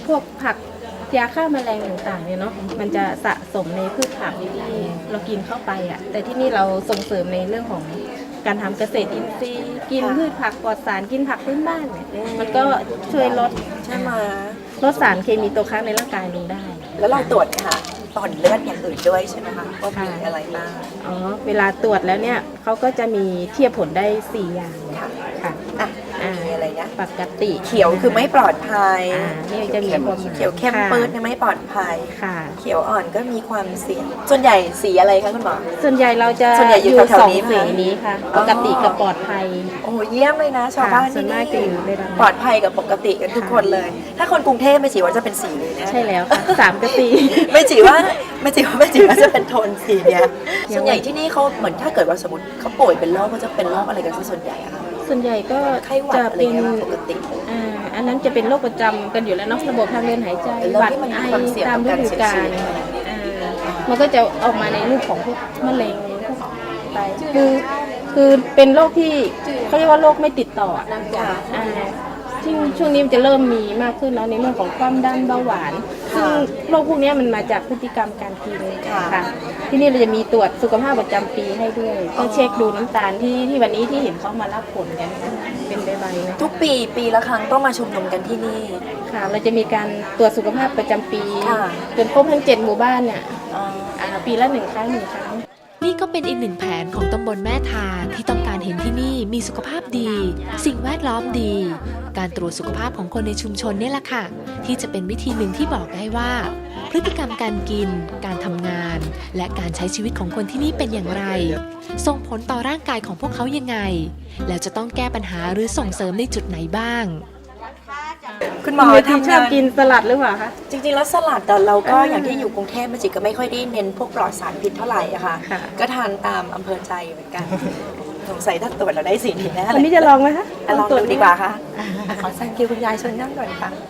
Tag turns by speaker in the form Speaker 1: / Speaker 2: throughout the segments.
Speaker 1: พวกผักยาฆ่าแมลงต่างๆเนี่ยเนาะมันจะสะสมในพืชผักที่เรากินเข้าไปอ่ะแต่ที่นี่เราส่งเสริมในเรื่องของการทำเกษตรอินทรีย์กินพืชผักปลอดสารกินผักพื้นบ้านเนี่ยมันก็ช่วยลด
Speaker 2: ใช่ไหม
Speaker 1: ลดสารเคมีตกค้างในร่างกายลงได้
Speaker 2: แล้วเราตรวจค่ะผลเลือดอย่างอื่นด้วยใช่ไหมคะว่ามีอะไรบ้าง
Speaker 1: อ๋อเวลาตรวจแล้วเนี่ยเขาก็จะมีเทียบผลได้4อย่าง
Speaker 2: ค่ะ
Speaker 1: ค่ะ
Speaker 2: อ่ะมีอะไรนะ
Speaker 1: ปกติ
Speaker 2: เขียวคือไม่ปลอดภัย
Speaker 1: นี่จะมีความหมาย
Speaker 2: เขียวเข้มปื้ดไม่ปลอดภัย
Speaker 1: ค่ะ
Speaker 2: เขียวอ่อนก็มีความเสี่ยงส่วนใหญ่สีอะไรคะคุณหมอ
Speaker 1: ส่วนใหญ่เราจะ
Speaker 2: ส่วนใหญ่อยู่
Speaker 1: อยู่
Speaker 2: แถวๆ
Speaker 1: สอง
Speaker 2: นี้ไหม
Speaker 1: สีนี้ค่ะ ปกติกับปลอดภัย
Speaker 2: โอ้เยี่ยมเลยนะชาวบ้าน
Speaker 1: ส่ว
Speaker 2: ที่
Speaker 1: นมากจะอยู่ในนั้น
Speaker 2: ปลอดภัยกับปกติกันทุกคนเลย ถ้าคนกรุงเทพไม่จีว่าจะเป็นสีเลยนะ
Speaker 1: ใช่แล้วค่ะ3กับ4
Speaker 2: ไม่จีว่าจะเป็นโทนสีเนี้ยส่วนใหญ่ที่นี่เขาเหมือนถ้าเกิดว่าสมมติเขาป่วยเป็นโรคเขาจะเป็นโรคอะไรกันซะส่วนใหญ่อะคะ
Speaker 1: ส่วนใหญ่ก็
Speaker 2: ไข้หวัด
Speaker 1: จะ
Speaker 2: อะไร
Speaker 1: เป็น
Speaker 2: เงี้ยปกติ
Speaker 1: อันนั้นจะเป็นโรคประจำกันอยู่แล้วเนาะระบบทางเดินหายใจ
Speaker 2: เป็นโรค
Speaker 1: หวัด
Speaker 2: ที่มัน
Speaker 1: ไอ
Speaker 2: มีความเสี่ยง
Speaker 1: ตาม
Speaker 2: ต่อ
Speaker 1: ฤ
Speaker 2: การ
Speaker 1: ดู
Speaker 2: เสีย
Speaker 1: กา
Speaker 2: ชี
Speaker 1: ล
Speaker 2: วิต
Speaker 1: มันก็จะออกมาในรูปของพวกมะเร็งพวกไตคือเป็นโรคที่เขาเรียกว่าโรคไม่ติดต่ออ่าซึ่งช่วงนี้มันจะเริ่มมีมากขึ้นแล้วในเรื่องของความดันเบาหวาน ซึ่งโรคพวกนี้มันมาจากพฤติกรรมการกินค่ะที่นี่เราจะมีตรวจสุขภาพประจำปีให้ด้วยก็เช็คดูน้ำตาลที่วันนี้ที่เห็นเขามารับผลกันเป็นใบๆนะ
Speaker 2: ทุกปีละครั้งต้องมาชุมนุมกันที่นี่
Speaker 1: ค่ะเราจะมีการตรวจสุขภาพประจำปี
Speaker 2: ค่ะ
Speaker 1: จนครบทั้ง7หมู่บ้านเนี่ยปีละ1 ครั้ง 1 ครั้ง
Speaker 3: นี่ก็เป็นอีกหนึ่งแผนของตำบลแม่ทาที่ต้องการเห็นที่นี่มีสุขภาพดี สิ่งแวดล้อมดี การตรวจสุขภาพของคนในชุมชนเนี่ยแหละค่ะ ที่จะเป็นวิธีหนึ่งที่บอกได้ว่า พฤติกรรมการกิน การทำงาน และการใช้ชีวิตของคนที่นี่เป็นอย่างไร ส่งผลต่อร่างกายของพวกเขายังไง แล้วจะต้องแก้ปัญหาหรือส่งเสริมในจุดไหนบ้าง
Speaker 2: คุณหมอ
Speaker 1: ที่
Speaker 2: ทำ
Speaker 1: ช
Speaker 2: งา
Speaker 1: อบ
Speaker 2: น
Speaker 1: กินสลัดหรือเปล่าคะ
Speaker 2: จริงๆแล้วสลัดแต่เราก็อย่างที่อยู่กรุงเทพมันจิก็ไม่ค่อยได้เน้นพวกปลอดสารพิษเท่าไหร่อะค่ะ
Speaker 1: ค่ะ
Speaker 2: ก็ทานตามอำเภอใจเหมือนกันสงสัยถ้าตรวจเราได้สีนี้แน่
Speaker 1: วัน
Speaker 2: เลย
Speaker 1: นี้จะลองไหมคะ
Speaker 2: ลองดูดีกว่าค่ะขอแซงคิวคุณยายเชิญนั่งก่อนค่ะ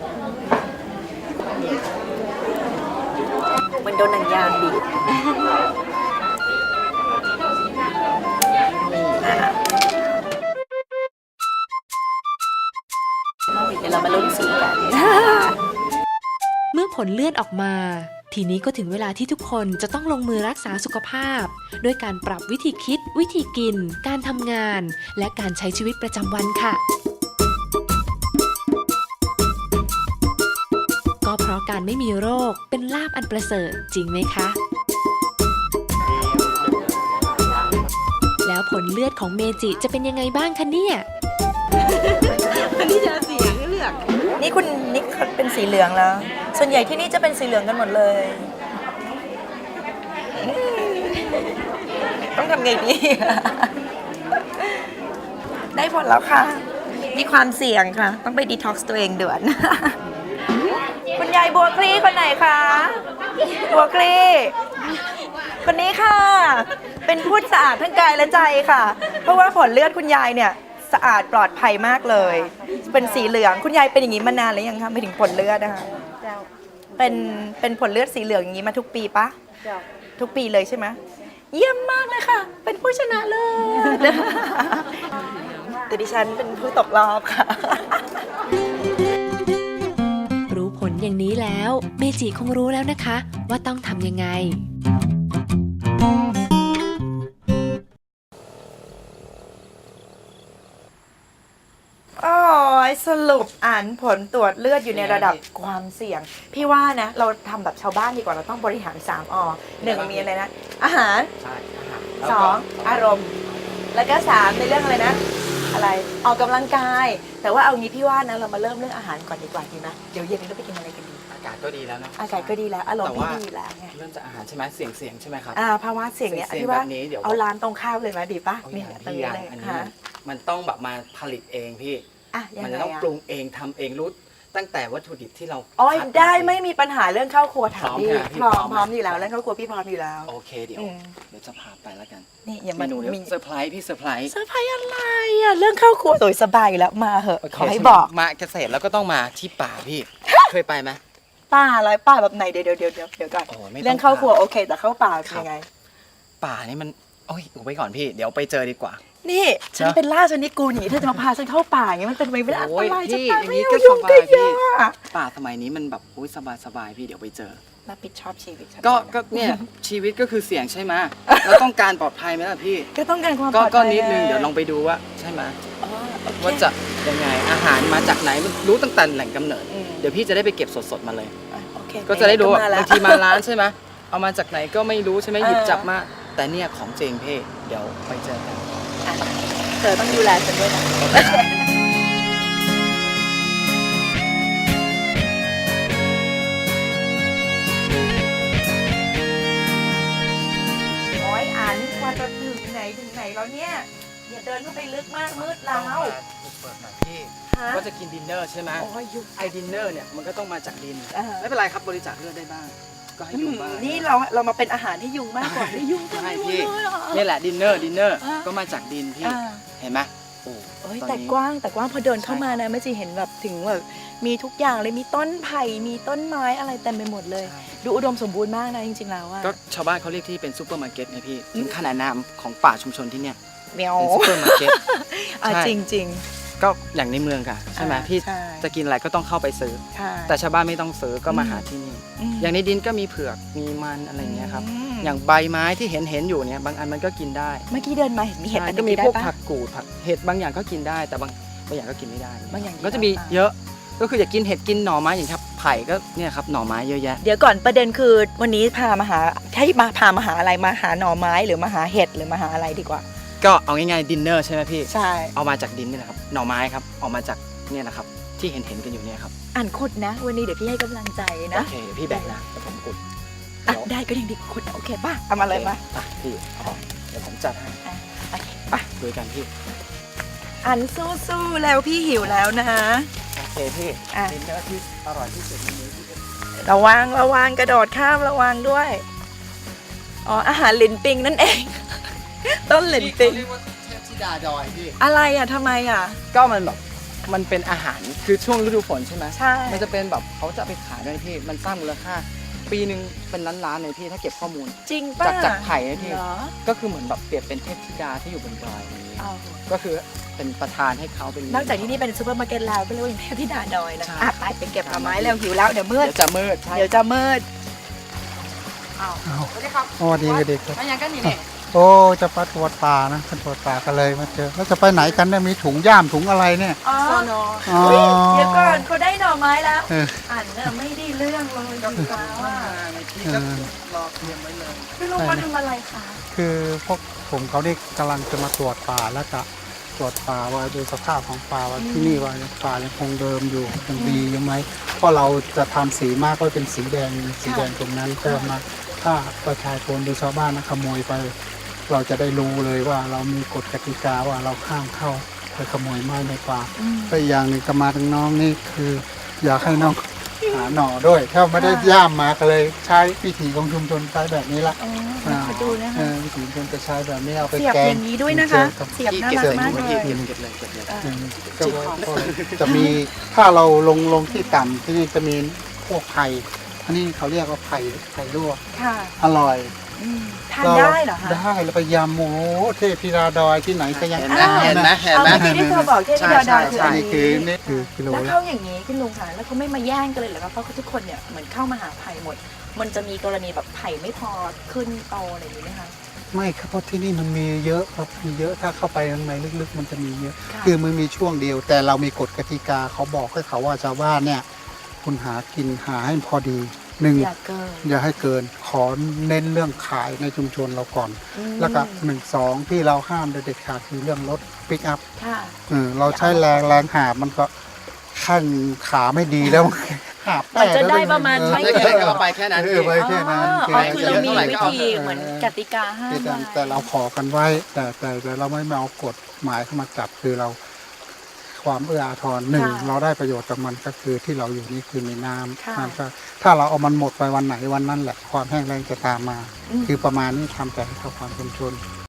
Speaker 2: มันโดนหนังยางบีบเดี๋ยวเรามาลุ้นสีกัน
Speaker 3: เมื่อผลเลือดออกมา ทีนี้ก็ถึงเวลาที่ทุกคนจะต้องลงมือรักษาสุขภาพ ด้วยการปรับวิธีคิด วิธีกิน การทำงาน และการใช้ชีวิตประจำวันค่ะ ก็เพราะการไม่มีโรคเป็นลาภอันประเสริฐจริงไหมคะ แล้วผลเลือดของเมจิจะเป็นยังไงบ้างคะเนี่ย
Speaker 2: นี่คุณนิกเขาเป็นสีเหลืองแล้ว ส่วนใหญ่ที่นี่จะเป็นสีเหลืองกันหมดเลย ต้องทำไงดี ได้ผลแล้วค่ะ มีความเสี่ยงค่ะ ต้องไปดีท็อกซ์ตัวเองด่วน คุณยายบัวคลี่คนไหนคะ บัวคลี่คนนี้ค่ะ เป็นผู้สะอาดทั้งกายและใจค่ะ เพราะว่าผลเลือดคุณยายเนี่ยสะอาดปลอดภัยมากเลย เป็นสีเหลือง คุณยายเป็นอย่างนี้มานานหรือยังคะไม่ถึงผลเลือดนะคะเป็นผลเลือดสีเหลืองอย่างนี้มาทุกปีปะทุกปีเลยใช่ไหมเยี่ยมมากเลยค่ะ เป็นผู้ชนะเลิศ แต่ดิฉันเป็นผู้ตกรอบค่ะ
Speaker 3: รู้ผลอย่างนี้แล้วเมจิคงรู้แล้วนะคะ ว่าต้องทำยังไง
Speaker 2: โอ้ยสรุปอ่านผลตรวจเลือดอยู่ในระดับความเสี่ยง พี่ว่านะ เราทำแบบชาวบ้านดีกว่าเราต้องบริหาร3 1มีอะไรนะ อาหาร
Speaker 4: ใช่อาหาร
Speaker 2: 2 อารมณ์ แล้วก็3ในเรื่องอะไรนะ อะไรออกกำลังกาย แต่ว่าเอางี้พี่ว่านะเรามาเริ่มเรื่องอาหารก่อนดีกว่าดีไหมเดี๋ยวเย็นนี้เราไปกินอะไรกันดี
Speaker 4: อากาศก็ดีแล้วเนอะ
Speaker 2: อากาศก็ดีแล้วอารมณ์
Speaker 4: แต่
Speaker 2: พี่
Speaker 4: ว่า
Speaker 2: ดีอยู่แล้วไง
Speaker 4: เริ่มจากอาหารใช่ไหมเสียงใช่ไหมครับ
Speaker 2: ภาวะเสี่ยงเนี่ย
Speaker 4: เสี่ยง
Speaker 2: พี่ว่า
Speaker 4: แบบนี้เดี๋ยว
Speaker 2: เอาร้านตรงข้ามเลยไหมดีปะ
Speaker 4: โอ้ย
Speaker 2: เนี่ย
Speaker 4: อย่าง
Speaker 2: ตรง
Speaker 4: พี่
Speaker 2: นี้
Speaker 4: ยัง
Speaker 2: เลย
Speaker 4: อันนี้
Speaker 2: ค่ะ
Speaker 4: มันต้องแบบมาผลิตเองพี่
Speaker 2: อ่ะยัง
Speaker 4: มัน
Speaker 2: ไง
Speaker 4: จะต้อง
Speaker 2: อะ
Speaker 4: ปรุงเองทำเองรู้ตั้งแต่วัตถุดิบที่เรา
Speaker 2: อ๋อ
Speaker 4: คั
Speaker 2: ได้
Speaker 4: เอง
Speaker 2: ไม่มีปัญหาเรื่องเข้าครัวถามพี่
Speaker 4: พร้อม
Speaker 2: พร้อม
Speaker 4: ไหม
Speaker 2: อยู่แล้วเรื่องเข้าครัวพี่พร้อมอยู่แล้ว
Speaker 4: โอเคเดี๋ยว
Speaker 2: อืม
Speaker 4: เดี๋ยวจะพาไปแล้วกัน
Speaker 2: นี่อย่า
Speaker 4: เม
Speaker 2: มา
Speaker 4: นูเดี๋ยว
Speaker 2: มี
Speaker 4: เซอร์ไพรส์พี่เซอร์ไพรส์
Speaker 2: เซอร์ไพรส์อะไรอ่ะเรื่องเข้าครัวโดยสบายอยู่แล้วมาเหอะ
Speaker 4: โเค
Speaker 2: ขอให้
Speaker 4: ใช่ไม
Speaker 2: บอก
Speaker 4: มาเกษตรแล้วก็ต้องมาที่ป่าพี่ เคยไปไหม
Speaker 2: ป้าอะไรป้าแบบไหนเดี๋ยวก่อน
Speaker 4: โอ้ไม่ต้อง
Speaker 2: เรื่องเข้าครัวโอเค แต่เข้าป่าเป็นยังไง
Speaker 4: ป่านี่มันโอ้ยอุบไว้ก่อนพี่เดี๋ยวไปเจอดีกว่า
Speaker 2: นี่ฉันเป็นล่าชนิดกูหนีเธอจะมาพาฉันเข้าป่าอย่างเงี้ยมันเป็นไปไม่ได้อัน
Speaker 4: โอ้
Speaker 2: ต
Speaker 4: ย
Speaker 2: รายจะ
Speaker 4: พี่
Speaker 2: ตาย
Speaker 4: อย่าง
Speaker 2: ไม่
Speaker 4: นี้
Speaker 2: เอา
Speaker 4: ก็
Speaker 2: ยุ่
Speaker 4: ส
Speaker 2: ง
Speaker 4: บา
Speaker 2: ก็
Speaker 4: ย
Speaker 2: เย
Speaker 4: พี่
Speaker 2: อะอะ
Speaker 4: ป่าสมัยนี้มันแบบโอ้ยสบายพี่เดี๋ยวไปเจอ
Speaker 2: รับผิดชอบชีวิตฉัน
Speaker 4: ก็เนี่ยชีวิตก็คือเสี่ยงใช่ไหมเราต้องการปลอดภัยไหมล่ะพี่
Speaker 2: ก็ต้องการความปลอดภัย
Speaker 4: ก็นิดนึงเดี๋ยวลองไปดูว่าใช่ไหม
Speaker 2: อ๋อโอเค
Speaker 4: ว่าจะยังไงอาหารมาจากไหนมันรู้ตั้งแต่แหล่งกำเนิด
Speaker 2: อืม
Speaker 4: เดี๋ยวพี่จะได้ไปเก็บสดๆมาเลย
Speaker 2: อ่ะโอเค
Speaker 4: ก็จะได้รู้ว่า
Speaker 2: หนๆก็
Speaker 4: บางทีมาร้านใช่ไหมเอามาจากไหนก็ไม่รู้ใช่ไหม
Speaker 2: เออ
Speaker 4: หยิบจับมาแต่เนี่ยของจริงพี่เดี๋ยวไปเจอกัน
Speaker 2: อ่ะเธอต้องดูแลฉันด้วยนะโอ้ยอันกว่าจะถึงไหนแล้วเนี่ยอย่าเดินเข้าไปลึกมากมืดแล้ว
Speaker 4: เปิดหน่อยพี่
Speaker 2: ฮะ
Speaker 4: ก็จะกินดินเนอร์ใช่ไหม
Speaker 2: โอ้ยยุบ
Speaker 4: ไอ้ดินเนอร์เนี่ยมันก็ต้องมาจากดิน
Speaker 2: อ่า
Speaker 4: ไม่เป็นไรครับบริจาคเลือดได้บ้าง ก็ให้ยุงบ้าง
Speaker 2: นี่เรามาเป็นอาหารให้ยุงมากกว่าให้ยุง
Speaker 4: ใช่
Speaker 2: จัง
Speaker 4: พี่
Speaker 2: เลยอ่ะ
Speaker 4: นี่แหละดินเนอร์
Speaker 2: อ่า
Speaker 4: ก็มาจากดินพี่
Speaker 2: อ่า
Speaker 4: เห็นไหมโอ้
Speaker 2: เอ้ย
Speaker 4: ตอน
Speaker 2: แต่
Speaker 4: นี้
Speaker 2: กว้างพอเดินเข้ามานะแม่จีเห็นแบบถึงแบบมีทุกอย่างเลยมีต้นไผ่มีต้นไม้อะไรเต็มไปหมดเลย ดูอุดมสมบูรณ์มากนะจริงๆแล้วอะ
Speaker 4: ก็ชาวบ้านเขาเรียกที่เป็นซูเปอร์มาร์เก็ตไงพี่ถึงขนาดนามของป่าชุมชนที่เนี่ย
Speaker 2: เมียว
Speaker 4: เป็นซูเปอร์มาร์เก็ต
Speaker 2: อ่ะ
Speaker 4: ใช่
Speaker 2: จริง
Speaker 4: ก็อย่างในเมืองค่ะใช่ไหม
Speaker 2: อ่า
Speaker 4: พี่
Speaker 2: ใช่
Speaker 4: จะกินอะไรก็ต้องเข้าไปซื้อ
Speaker 2: ๆค่ะ
Speaker 4: แต่ชาวบ้านไม่ต้องซื้อก็มาหาที่นี่
Speaker 2: ม
Speaker 4: อย่างในดินก็มีเผือกมีมันอะไรอย่างเงี้ยครับ
Speaker 2: ม
Speaker 4: อย่างใบไม้ที่เห็นอยู่เนี่ยบางอันมันก็กินได้
Speaker 2: เมื่อกี้เดินมาเห็นมีเห็ด
Speaker 4: ใช่
Speaker 2: อัน
Speaker 4: ก็
Speaker 2: นี้
Speaker 4: มี
Speaker 2: ได้
Speaker 4: พวก
Speaker 2: ปะ
Speaker 4: ผักกูดผักเห็ดบางอย่างก็กินได้แต่บางอย่างก็กินไม่ได้
Speaker 2: บางอย่าง
Speaker 4: ก็จะมี
Speaker 2: กินได้
Speaker 4: เยอะก็คืออยากกินเห็ดกินหน่อไม้อย่างครับไผ่ก็เนี่ยครับหน่อไม้เยอะแยะ
Speaker 2: เดี๋ยวก่อนประเด็นคือวันนี้พามาหาให้มาพามาหาอะไรมาหาหน่อไม้หรือมาหาเห็ดหรือมาหาอะไรดีกว่า
Speaker 4: ก็เอาง่ายๆดินเนอร์ใช่ไหมพี่
Speaker 2: ใช่
Speaker 4: เอามาจากดินนี่แหละครับหน่อไม้ครับเอามาจากเนี่ยนะครับที่เห็นกันอยู่เนี่ยครับ
Speaker 2: อ่านขุดนะ วันนี้เดี๋ยวพี่ให้กำลังใจ
Speaker 4: โอ
Speaker 2: นะ
Speaker 4: เคเดี๋ยวพี่แบ่งนะเดี๋ยวผมอุด
Speaker 2: อ่ะได้ก็ยังดีขุดโอเคป่ะเอามาเลยป่ะ
Speaker 4: อ่ะพี่เดี๋ยวผมจัดให้
Speaker 2: อ่ะโอเคป่ะ
Speaker 4: ดูกันพี่
Speaker 2: อันสู้ๆแล้วพี่หิวแล้วนะ
Speaker 4: โอเคพี่
Speaker 2: อ่ะ
Speaker 4: ดินเนอร์ที่อร่อยที่สุดในนี้ที่
Speaker 2: ระวังกระโดดข้ามระวังด้วย อ๋ออาหารหลินปิงนั่นเอง ต้นหลินปิง
Speaker 4: เรียกว่าเทพธิดาดอยพี่
Speaker 2: อะไรอ่ะทำไมอ่ะ
Speaker 4: ก็มันแบบมันเป็นอาหารคือช่วงฤดูฝนใช่ไหม
Speaker 2: ใช่
Speaker 4: มันจะเป็นแบบเขาจะเอาไปขายด้วยพี่มันสร้างมูลค่า ปีหนึ่งเป็นล้านๆเลยพี่ถ้าเก็บข้อมูล
Speaker 2: จริงป่ะ
Speaker 4: จากไผ่นะพี่
Speaker 2: เหรอ
Speaker 4: ก็คือเหมือนแบบเปรียบเป็นเทพธิดาที่อยู่บนดอยอย่างนี้
Speaker 2: เอา
Speaker 4: ก็คือเป็นประธานให้เขาเป็น
Speaker 2: นอกจากที่นี่เป็นซูเปอร์มาร์เก็ตแล้วก็เรียกว่าอย่างเทพธิดาดอยนะ
Speaker 4: ใช่
Speaker 2: อ่ะไปเก็บหน่อไม้แล้วหิวแล้วเดี๋ยวมืด
Speaker 4: เดี๋ยวจะมืดใช่
Speaker 2: เดี๋ยวจะมืด
Speaker 4: สวัสดีครับ
Speaker 5: สวัสดีเด็กครับ
Speaker 4: มาอย่างกันนี่เนี่ย
Speaker 5: โอ้จะไปตรวจป่านะไปตรวจป่ากันเลยมาเจอแล้วจะไปไหนกันเนี่ยมีถุงย่ามถุงอะไรเนี่ย
Speaker 2: อ๋อ
Speaker 4: สอนอ
Speaker 5: อ๋อ
Speaker 2: เฮ้ยเดี๋ยวก่อนเขาได้หน่อไม้แล้ว
Speaker 5: เออ
Speaker 2: อ่านเนี่ยไม่ได้เรื่องเลยกับฟ้าว่า
Speaker 4: ในที่ก็รอเตรียมไว้เลย
Speaker 2: พี่ลุงมาทำอะไรคะ
Speaker 5: คือพวกผมเขานี่กำลังจะมาตรวจป่าแล้วก็ตรวจป่าว่าดูสภาพของป่าว่าที่นี่ว่าป่ายังคงเดิมอยู่ยังดีอยู่ไหมเพราะเราจะทำสีมากก็เป็นสีแดงตรงนั้นเพิ่มมาถ้าประชาชนหรือชาวบ้านนะขโมยไป เราจะได้รู้เลยว่าเรามีกฎกติกาว่าเราห้ามเข้าไปขโมยไม้ในป่าก็อีกอย่างหนึ่งก็มาถึงน้องนี่คือ อยากให้น้องหาหน่อด้วย ถ้าไม่ได้ย่ามมาก็เลยใช้วิถีของชุมชนใช้แบบนี้ละ
Speaker 2: อ๋อขอดูนะคะ
Speaker 5: วิถีชุมชนจะใช้แบบนี้เอาไป
Speaker 2: เสียบ
Speaker 5: แก
Speaker 2: อง ย่างนี้ด้วยนะคะ
Speaker 5: กับ
Speaker 2: เสียบน่า
Speaker 4: เก็บ
Speaker 2: รัก
Speaker 4: เลย
Speaker 2: มาก
Speaker 4: เก็บ
Speaker 2: เลย
Speaker 4: เก็บเลยเก็บเลย
Speaker 5: ก็จะมีถ้าเราลงที่ต่ำที่นี่จะมีพวกไผ่อันนี้เขาเรียกว่าไผ่ลวก
Speaker 2: ค่ะ
Speaker 5: อร่อย
Speaker 2: ทานได้เหรอคะ
Speaker 5: ได้แล้วไปยำโอ้โหเทพธิดาดอยที่ไหนก็ยัง
Speaker 4: เห็นไหมเห็นไหมเห็น
Speaker 2: เอา
Speaker 4: ไหม
Speaker 2: เมื่อกี้ที่เธอบอกเทพธิดาดอยคืออัน
Speaker 5: นี่
Speaker 2: นี้
Speaker 5: คือกิโล
Speaker 2: แล้ว
Speaker 5: ละ
Speaker 2: เข้าอย่างนี้คุณลุงค่ะแล้วเขาไม่มาแย่งกันเลยเหรอคะเพราะทุกคนเนี่ยเหมือนเข้ามาหาไผ่หมด มันจะมีกรณีแบบไผ่ไม่พอขึ้นโตอะไรอย่างนี้ไหมคะ
Speaker 5: ไม่ครับเพราะที่นี่มันมีเยอะครับมีเยอะถ้าเข้าไปข้างในลึกๆ มันจะมีเยอะ
Speaker 2: ค่ะ
Speaker 5: คือมันมีช่วงเดียว แต่เรามีกฎกติกาเขาบอกให้เขาว่าชาวบ้านเนี่ยคุณหากินหาให้พอดีหนึ่ง
Speaker 2: อย่าเกิน
Speaker 5: อย่าให้เกินขอเน้นเรื่องขายในชุมชนเราก่อน
Speaker 2: อืม
Speaker 5: แล้วก็1 2ที่เราห้ามเด็ดขาดคือเรื่องรถปิกอัพ
Speaker 2: ค่ะ
Speaker 5: เราใช้แรงหาบมันก็ขั้นขาไม่ดีแล้ว หาบ
Speaker 2: มันจะได้ประมาณ
Speaker 5: เออ
Speaker 2: ไม่
Speaker 4: ได้แค่ก็เอาไปแค่นั้น
Speaker 5: เออไปแค่นั้น
Speaker 2: อ๋อคือเรามีวิธีเหมือนกติกาห้ามไว้
Speaker 5: แต่เราขอกันไว้ แต่เราไม่มาเอากฎหมายเข้ามาจับคือเราความเอื้ออาทรหนึ่ง
Speaker 2: ค่ะ
Speaker 5: เราได้ประโยชน์จากมันก็คือที่เราอยู่นี่คือมีน้
Speaker 2: ค่ะ
Speaker 5: ำมันก็ถ้าเราเอามันหมดไปวันไหนวันนั้นแหละความแห้งแล้งจะตามมา
Speaker 2: อืม
Speaker 5: คือประมาณนี้ทำแต่ให้เข้าความชุมชน